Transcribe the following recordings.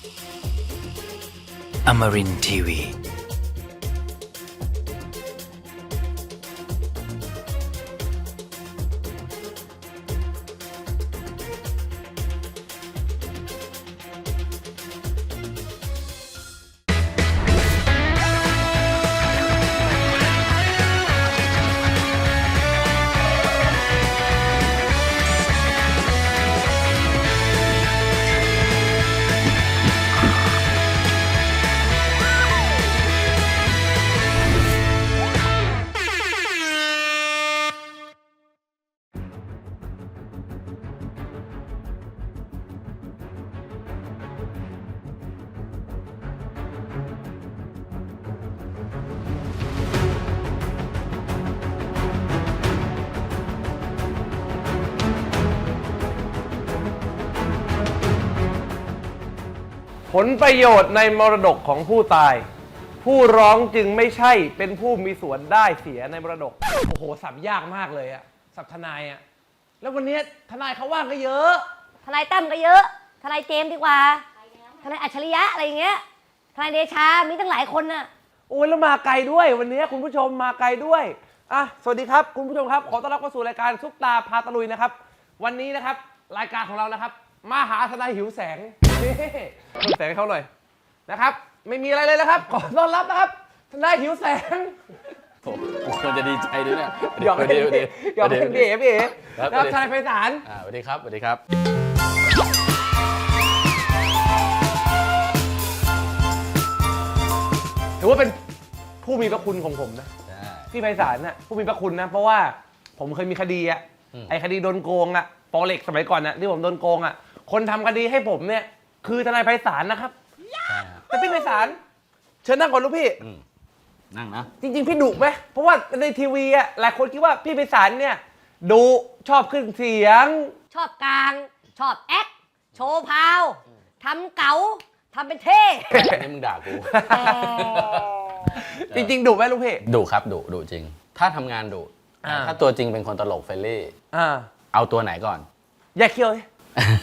Amarin Tiwi. ผลประโยชน์ในมรดกของผู้ตาย ผู้ร้องจึงไม่ใช่เป็นผู้มีส่วนได้เสียในมรดกโอ้โหสับยากมากเลยอะสับทนายอะแล้ววันนี้ทนายเขาว่างก็เยอะทนายตั้มก็เยอะทนายเจมส์ดีกว่าทนายอัจฉริยะอะไรอย่างเงี้ยทนายเดชามีตั้งหลายคนน่ะโอ้ยแล้วมาไกลด้วยวันนี้คุณผู้ชมมาไกลด้วยอ่ะสวัสดีครับคุณผู้ชมครับขอต้อนรับเข้าสู่รายการซุปตาพาตะลุยนะครับวันนี้นะครับรายการของเรานะครับมาหาทนายหิวแสงหิวแสงให้เขาหน่อยนะครับไม่มีอะไรเลยนะครับขอต้อนรับนะครับทนายหิวแสงโอ้ควรจะดีใจด้วยเนี่ยหยอกเล่นหยอกเล่นพี่เอ๋นะครับทนายไพศาลสวัสดีครับสวัสดีครับถือว่าเป็นผู้มีพระคุณของผมนะพี่ไพศาลน่ะผู้มีพระคุณนะเพราะว่าผมเคยมีคดีอะไอคดีโดนโกงอะปอเล็กสมัยก่อนนะที่ผมโดนโกงอะคนทำคดีให้ผมเนี่ยคือทนายไพศาลนะครับแต่พี่ไพศาลเชิญนั่งก่อนลูกพี่นั่งนะจริงๆพี่ดุไหมเพราะว่าในทีวีอะหลายคนคิดว่าพี่ไพศาลเนี่ยดุชอบขึ้นเสียงชอบกลางชอบแอคโชว์พาวทำเก๋าทำเป็นเท่นี่มึงด่ากูจริงๆดุไหมลูกพี่ดุครับดุจริงถ้าทำงานดุถ้าตัวจริงเป็นคนตลกเฟรนลี่เอาตัวไหนก่อนแยกเขี้ยวเลย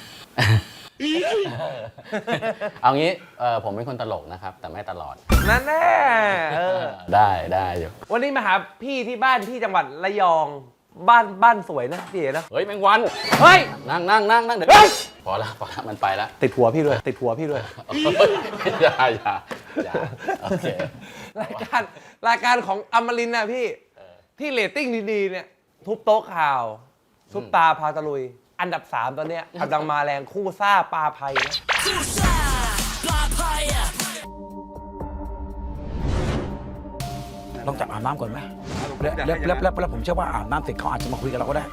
เอางี้ผมเป็นคนตลกนะครับแต่ไม่ตลอดนั่นแน่ได้อยู่วันนี้มาหาพี่ที่บ้านที่จังหวัดระยองบ้านสวยนะพี่เอ๋นะเฮ้ยแมงวันเฮ้ยนั่งเดี๋ยวพอละมันไปละติดหัวพี่ด้วยอย่าโอเครายการของอมรินทร์นะพี่ที่เรตติ้งดีๆเนี่ยทุบโต๊ะข่าวซุปตาพาตะลุยอันดับ3ตอนเนี้ยกำลังมาแรงคู่ซ่าปลาไพนะลองจับอาบน้ำก่อนไหมแล้วผมเชื่อว่าอาบน้ำเสร็จเขาอาจจะมาคุยกับเราก็ได้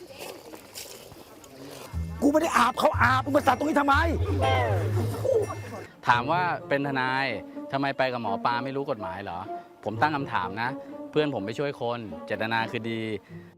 กูไม่ได้อาบเขาอาบมึงมาตัดตรงนี้ทำไมถามว่าเป็นทนายทำไมไปกับหมอปลาไม่รู้กฎหมายเหรอผมตั้งคำถามนะเพื่อนผมไปช่วยคนเจตนาคือดี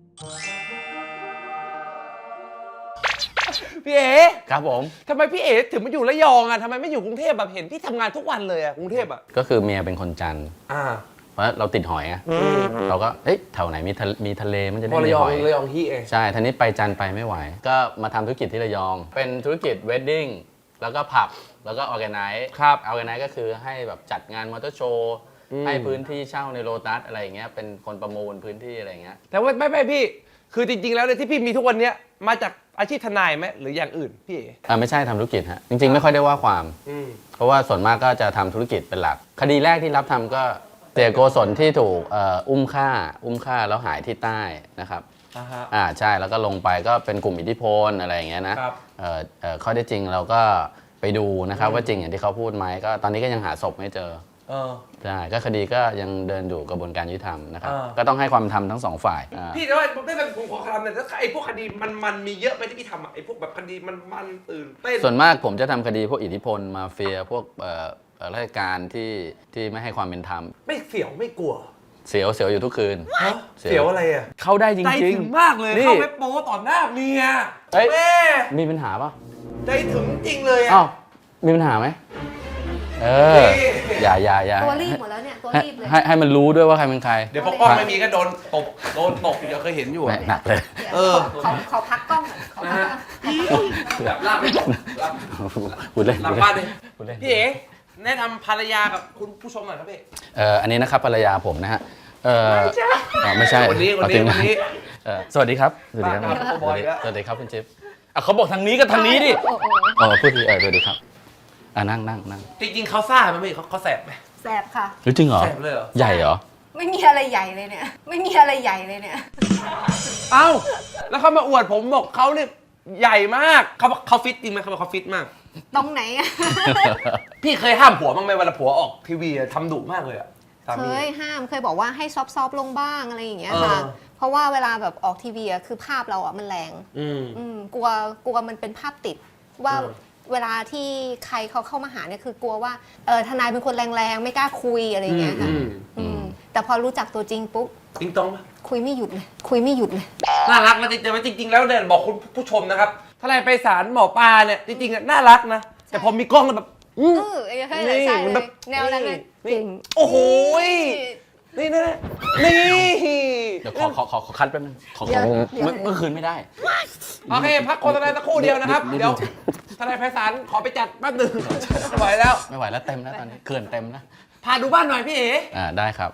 พี่เอ๋ครับผมทำไมพี่เอ๋ถึงมาอยู่ระยองอ่ะทำไมไม่อยู่กรุงเทพแบบเห็นพี่ทำงานทุกวันเลยอ่ะกรุงเทพอ่ะก็คือเมียเป็นคนจันทร์เพราะเราติดหอยอ่ะเราก็แถวไหนมีทะเลมันจะได้มีหอยระยองที่เองใช่ทีนี้ไปจันทร์ไปไม่ไหวก็มาทำธุรกิจที่ระยองเป็นธุรกิจเวดดิ้งแล้วก็ผับแล้วก็ออร์แกไนซ์ออร์แกไนซ์ก็คือให้แบบจัดงานมอเตอร์โชว์ให้พื้นที่เช่าในโลตัสอะไรอย่างเงี้ยเป็นคนประมูลพื้นที่อะไรอย่างเงี้ยแต่ว่าไม่พี่คือจริงๆแล้วเนี่ยที่พี่มีทุกวันนี้มาจากอาชีพทนายไหมหรืออย่างอื่นพี่ไม่ใช่ทำธุรกิจฮะจริงๆไม่ค่อยได้ว่าความเพราะว่าส่วนมากก็จะทำธุรกิจเป็นหลักคดีแรกที่รับทำก็เสียโกศลที่ถูกอุ้มฆ่าแล้วหายที่ใต้นะครับใช่แล้วก็ลงไปก็เป็นกลุ่มอิทธิพลอะไรอย่างเงี้ยนะข้อได้จริงเราก็ไปดูนะครับว่าจริงอย่างที่เขาพูดไหมก็ตอนนี้ก็ยังหาศพไม่เจอใช่ก็คดีก็ยังเดินอยู่กระบวนการยุติธรรมนะครับก็ต้องให้ความธรรมทั้งสองฝ่ายพี่แต่ว่าผมขอคำเนี่ยไอ้พวกคดีมันมีเยอะไหมที่พี่ทำไอ้พวกแบบคดีมันตื่นเต้นส่วนมากผมจะทำคดีพวกอิทธิพลมาเฟียพวกราชการที่ไม่ให้ความเป็นธรรมไม่เสียวไม่กลัวเสียวอยู่ทุกคืนเสียวอะไรอ่ะเข้าได้จริงใจถึงมากเลยเข้าไปโป๊ต่อหน้าเมียแม่มีปัญหาป่ะใจถึงจริงเลยอ่ะมีปัญหาไหมอย่าตัวรีบหมดแล้วเนี่ยตัวรีบเลยให้มันรู้ด้วยว่าใครเป็นใครเดี๋ยวพอกล้องไม่มีก็โดนตบเดี๋ยวเคยเห็นอยู่แหม่หนักเลยขอพักกล้องก่อนขอพักกล้องแบบลาบเลยลาบพูดเล่นหลังบ้านเลยพูดเล่นพี่เอ๋แนะนำภรรยากับคุณผู้ชมหน่อยครับพี่อันนี้นะครับภรรยาผมนะฮะไม่ใช่คนนี้เอาจริงะสวัสดีครับสวัสดีครับบ้าครับบอยแล้วสวัสดีครับคุณจิ๊บเขาบอกทางนี้ก็ทางนี้ดิโอ้โหพูดทีสวัสดีครับนั่งจริงๆเขาซ่าไหมพี่เขาแสบไหมแสบค่ะจริงเหรอแสบเลยเหรอใหญ่เหรอไม่มีอะไรใหญ่เลยเนี่ย ไม่มีอะไรใหญ่เลยเนี่ยเอ้าแล้วเขามาอวดผมบอกเขาเนี่ยใหญ่มากเขาฟิตจริงไหมเขาบอกเขาฟิตมากตรงไหนอะพี่เคยห้ามผัวบ้างไหมเวลาผัวออกทีวีอะทำดุมากเลยอะสาเคมียห้ามเคยบอกว่าให้ซอฟต์ๆลงบ้างอะไรอย่างเงี้ยเออค่ะ เพราะว่าเวลาแบบออกทีวีอะคือภาพเราอะมันแรงอืมกลัวมันเป็นภาพติดว่าเออเวลาที่ใครเขาเข้ามาหาเนี่ยคือกลัวว่าทนายเป็นคนแรงๆไม่กล้าคุยอะไรอย่างเงี้ยค่ะแต่พอรู้จักตัวจริงปุ๊บจริงตรงปะคุยไม่หยุดเลยคุยไม่หยุดเลยน่ารักนะจริงๆแล้วเนี่ยบอกคุณผู้ชมนะครับถ้าอะไรไปศาลหมอปลาเนี่ยจริงๆอะน่ารักนะแต่พอมีกล้องแล้วแบบใช่เลยใช่เลยแนวนั้นเลยนี่โอ้โหนี่นะนี่เดี๋ยวขอคัดแป๊บนึงเมื่อคืนไม่ได้โอเคพักโฆษณาสักครู่เดียวนะครับเดี๋ยวทนายไพศาลขอไปจัดแป๊บหนึงไม่ไหวแล้วไม่ไหวแล้วเต็มแล้วตอนนี้เกินเต็มแล้วพาดูบ้านหน่อยพี่เอ๋ได้ครับ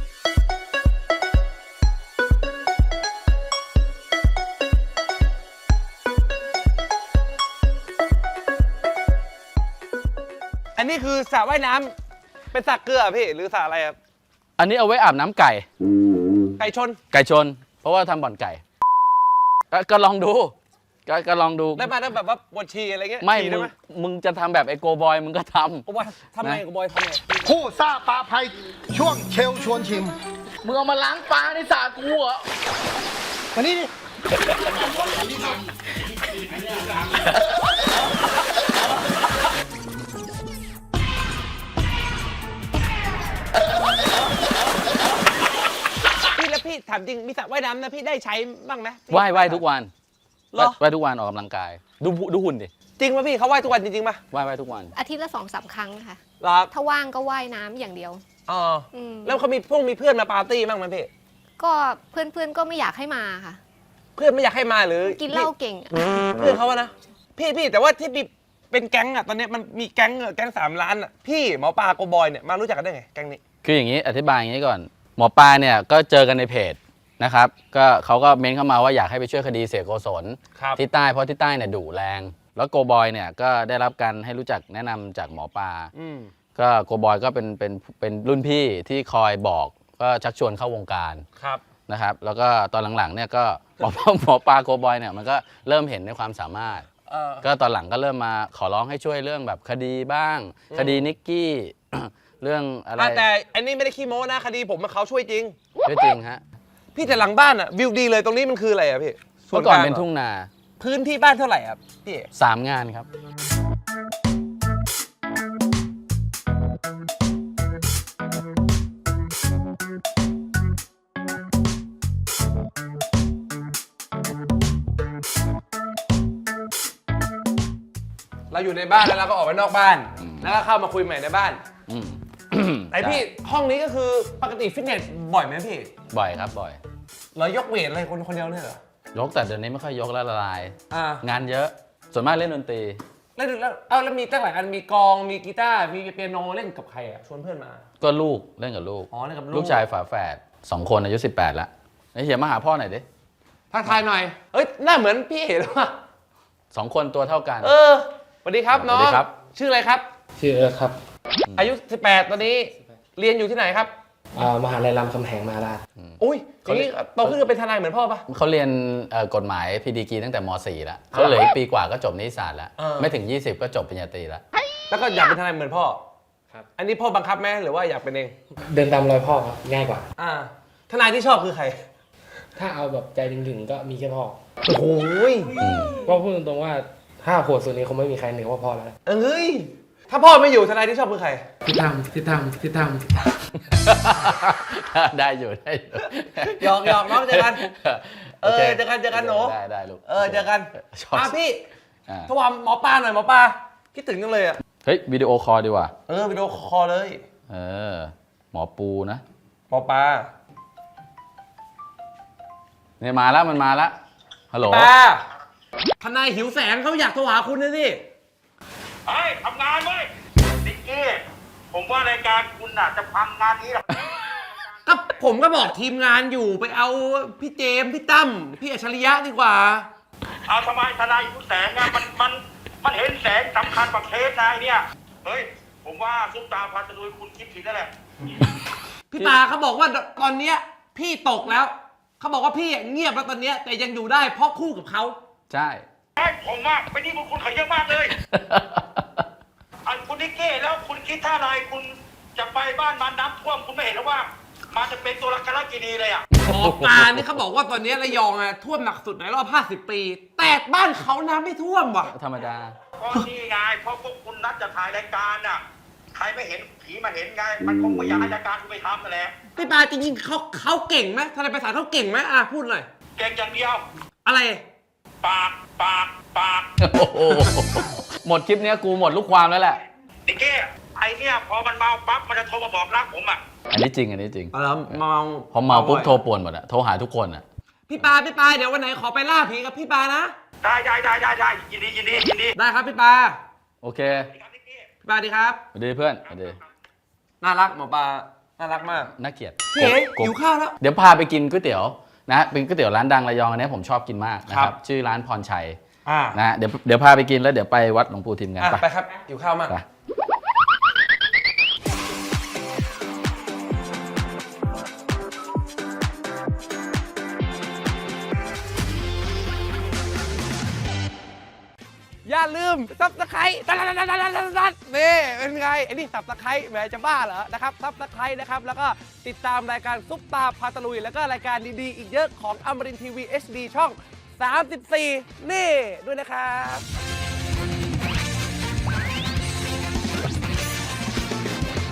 อันนี้คือสระว่ายน้ำเป็นสระเกลือพี่หรือสระอะไรครับอันนี้เอาไว้อาบน้ำไก่ไก่ชนไก่ชน เพราะว่าทำบ่อนไก่ก็ลองดูก็ลองดูได้มาได้แบบว่าบวชชีอะไรเงี้ยไม่ชีได้ไหมมึงจะทำแบบไอโกบอยมึงก็ทำกูบอยทำไงกูบอยทำไงผู้ซ่าปลาภัยช่วงเชลชวนชิมมึงเอามาล้างปลาในสระกูเหรอมานี่ดิพี่แล้วพี่ถามจริงมีสระว่ายน้ำนะพี่ได้ใช้บ้างไหมว่ายทุกวันเหรอว่ายทุกวันออกกำลังกาย ดูหุ่นดิจริงป่ะพี่เขาว่ายทุกวันจริงๆป่ะว่ายทุกวันอาทิตย์ละ2-3 ครั้งค่ะเหรอครับถ้าว่างก็ว่ายน้ำอย่างเดียวอ๋อมแล้วเขามีเพื่อนมาปาร์ตี้บ้างไหมพี่ก็เพื่อนๆก็ไม่อยากให้มาค่ะเพื่อนไม่อยากให้มาหรือกินเหล้าเก่งอะเพื่อนเขาอะนะพี่แต่ว่าที่มีเป็นแก๊งอะตอนนี้มันมีแก๊ง3 ล้านอะพี่หมอปลาโกบอยเนี่ยมารู้จักกันได้ไงแก๊งนี้คืออย่างนี้อธิบายอย่างนี้ก่อน หมอปลาเนี่ยก็เจอกันในเพจนะครับก็เขาก็เม้นเข้ามาว่าอยากให้ไปช่วยคดีเสียโกศลครับที่ใต้เพราะที่ใต้เนี่ยดุแรง แล้วโกบอยเนี่ยก็ได้รับการให้รู้จักแนะนำจากหมอปลาอืมก็โกบอยก็เป็นรุ่นพี่ที่คอยบอกก็ชักชวนเข้าวงการครับนะครับแล้วก็ตอนหลังๆเนี่ยก็หมอปลาโกบอยเนี่ยมันก็เริ่มเห็นในความสามารถ ก็ตอนหลังก็เริ่มมาขอร้องให้ช่วยเรื่องแบบคดีบ้าง คดีนิกกี้ เรื่องอะไรแต่อันนี้ไม่ได้ขี้โม้นะคดีผมมาเขาช่วยจริงด้วยจริงฮะพี่แต่หลังบ้านอะวิวดีเลยตรงนี้มันคืออะไรอะพี่เมื่อก่อนลางเป็นหรทุ่งนาพื้นที่บ้านเท่าไหร่ครับพี่ 3 งานครับเราอยู่ในบ้านแล้วเราก็ออกไปนอกบ้าน แล้วก็เข้ามาคุยใหม่ในบ้านอืมแต่พี่ห้องนี้ก็คือปกติฟิตเนสบ่อยไหมพี่บ่อยครับบ่อยเรายกเวทอะไรคนเดียวเนี่ยเหรอยกแต่เดี๋ยวนี้ไม่ค่อยยกแล้วละลายอ่างานเยอะส่วนมากเล่นดนตรีแล้วมีตั้งหลายอันมีกลองมีกีตาร์มีเปียโนเล่นกับใครอะชวนเพื่อนมาก็ลูกเล่นกับลูกอ๋อเล่นกับลูกลูกชายฝาแฝด2 คนอายุ 18แล้วไอ้เฮียมาหาพ่อหน่อยดิทักทายหน่อยเอ้ยหน้าเหมือนพี่เอ๋หรือเปล่า 2 คนตัวเท่ากันสวัสดีครับน้องสวัสดีครับชื่ออะไรครับชื่อเอิร์ธครับอายุ 18 ตอนนี้เรียนอยู่ที่ไหนครับมหาลัยรามคำแหงมหาราชอุ้ยอย่างนี้โตขึ้นก็เป็นทนายเหมือนพ่อปะเขาเรียนกฎหมายพีดีกีตั้งแต่ม .4 แล้วเขาเหลืออีกปีกว่าก็จบนิติศาสตร์แล้ว ไม่ถึง 20 ก็จบปริญญาตรีแล้วแล้วก็อยากเป็นทนายเหมือนพ่อครับอันนี้พ่อบังคับไหมหรือว่าอยากเป็นเองเดินตามรอยพ่อครับง่ายกว่าทนายที่ชอบคือใครถ้าเอาแบบใจถึงๆก็มีแค่พ่อโอ้โหยก็พูดตรงๆว่าถ้าโหดสุดนี้คงไม่มีใครเหนือกว่าพ่อแล้วเอ้ยถ้าพ่อไม่อยู่ทนายที่ชอบคือใครทิศทางได้อยู่ได้อยู่หยอกน้องเจอกันโอคเจอกันหนูได้ลูกเจอกันชอบพี่อ่าโทรหาหมอปลาหน่อยหมอปลาคิดถึงจังเลยอะเฮ้ยวิดีโอคอลดีกว่าวิดีโอคอลเลยหมอปูนะปอปลาเนี่ยมาแล้วมันมาแล้วฮัลโหลปลาทนายหิวแสงเขาอยากโทรหาคุณนะสิเฮ้ยทำงานเว้ยนิกกี้ผมว่ารายการคุณน่ะจะพังงานนี้หรอกก็ผมก็บอกทีมงานอยู่ไปเอาพี่เจมส์พี่ตั้มพี่อัจฉริยะดีกว่าเอาทำไมทนายหิวแสงอะมันเห็นแสงสำคัญกว่าเคสนายเนี่ยเฮ้ยผมว่าซุปตาพาตะลุยคุณคิดผิดแล้วแหละพี่ตาเขาบอกว่าตอนเนี้ยพี่ตกแล้วเขาบอกว่าพี่เงียบแล้วตอนเนี้ยแต่ยังอยู่ได้เพราะคู่กับเขาใช่เฮ้ยผมว่าไปนี่คุณเขาเยอะมากเลยอันคุณนิกกี้แล้วคุณคิดท่าอะไรคุณจะไปบ้านมันน้ำท่วมคุณไม่เห็นหรือว่ามันจะเป็นตัวละครกินีเลยอ่ะหมอปลาเนี่ยเขาบอกว่าตอนนี้ระยองอะท่วมหนักสุดในรอบ50 ปี แต่บ้านเขาน้ำไม่ท่วมว่ะธรรมดาเพราะนี่ไงเพราะพวกคุณนัดจะถ่ายรายการน่ะใครไม่เห็นผีมาเห็นไงมันคงไม่อยากให้รายการคุณไปทำนั่นแหละพี่ปลาจริงๆเขาเก่งไหมทนายประสานเขาเก่งไหมพูดหน่อยเก่งอย่างเดียวอะไรปากโอ้โหหมดคลิปเนี้ยกูหมดลูกความแล้วแหละนิกกี้ไอเนี่ยพอมันเมาปั๊บมันจะโทรมาบอกรักผมอ่ะอันนี้จริงอันนี้จริงแล้วเมาพอเมาปุ๊บโทรป่วนหมดอะโทรหาทุกคนอะพี่ปลาเดี๋ยววันไหนขอไปล่าผีกับพี่ปลานะได้ยินดีได้ครับพี่ปลาโอเคครับนิกกี้พี่ปลาดีครับสวัสดีเพื่อนสวัสดีน่ารักหมอปลาน่ารักมากน่าเกลียดพี่เอ๋กบหิวข้าวแล้วเดี๋ยวพาไปกินก๋วยเตี๋ยวนะเป็นก๋วยเตี๋ยวร้านดังระยองอันนี้ผมชอบกินมากนะคครัรับบ ชื่อร้านพรชัยอ่านะเดี๋ยวพาไปกินแล้วเดี๋ยวไปวัดหลวงปู่ทิมกันไปครับหิวข้าวมากไปอย่าลืมซับสไครต์นี่เป็นไงไอ้นี่ซับสไครต์แหมจะบ้าเหรอนะครับซับสไครต์นะครับแล้วก็ติดตามรายการซุปตาพาตะลุยแล้วก็รายการดีๆอีกเยอะของอมรินทร์ทีวี HD ช่อง 34 นี่ด้วยนะครับ